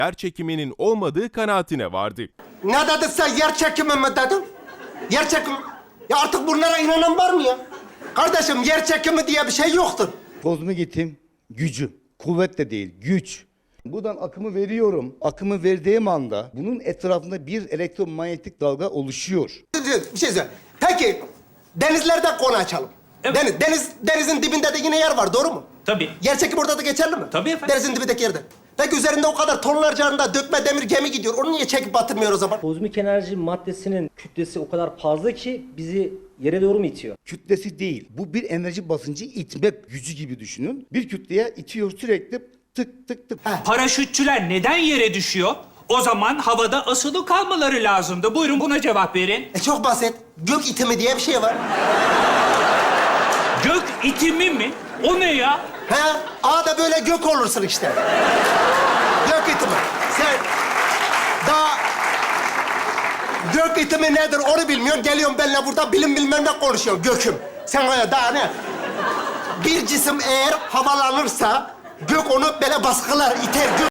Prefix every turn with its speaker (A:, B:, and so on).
A: yer çekiminin olmadığı kanaatine vardı.
B: Ne dedin sen, yer çekimi mi dedin? Yer çekimi... Ya artık bunlara inanan var mı ya? Kardeşim, yer çekimi diye bir şey yoktur.
C: Kozmogit'in gücü. Kuvvet de değil, güç. Buradan akımı veriyorum. Akımı verdiğim anda bunun etrafında bir elektromanyetik dalga oluşuyor.
B: Bir şey söyle. Peki, denizlerde konu açalım.
D: Evet.
B: Denizin dibinde de yine yer var, doğru mu?
D: Tabii.
B: Yer çekimi orada da geçerli mi?
D: Tabii efendim.
B: Denizin dibindeki yerde. Peki üzerinde o kadar tonlarca dökme demir gemi gidiyor. Onu niye çekip batırmıyor o zaman?
E: Kozmik enerji maddesinin kütlesi o kadar fazla ki bizi yere doğru mu itiyor?
C: Kütlesi değil. Bu bir enerji basıncı itme gücü gibi düşünün. Bir kütleye itiyor sürekli tık tık tık.
D: Paraşütçüler neden yere düşüyor? O zaman havada asılı kalmaları lazımdı. Buyurun buna cevap verin.
B: Çok basit. Gök itimi diye bir şey var.
D: Gök itimi mi? O ne ya?
B: He? A'da böyle gök olursun işte. Gök itimi. Sen daha gök itimi nedir onu bilmiyorsun. Geliyorsun benimle burada bilim bilmem ne konuşuyorsun. Göküm. Sen öyle daha ne? Bir cisim eğer havalanırsa gök onu böyle baskılar, iter. Gök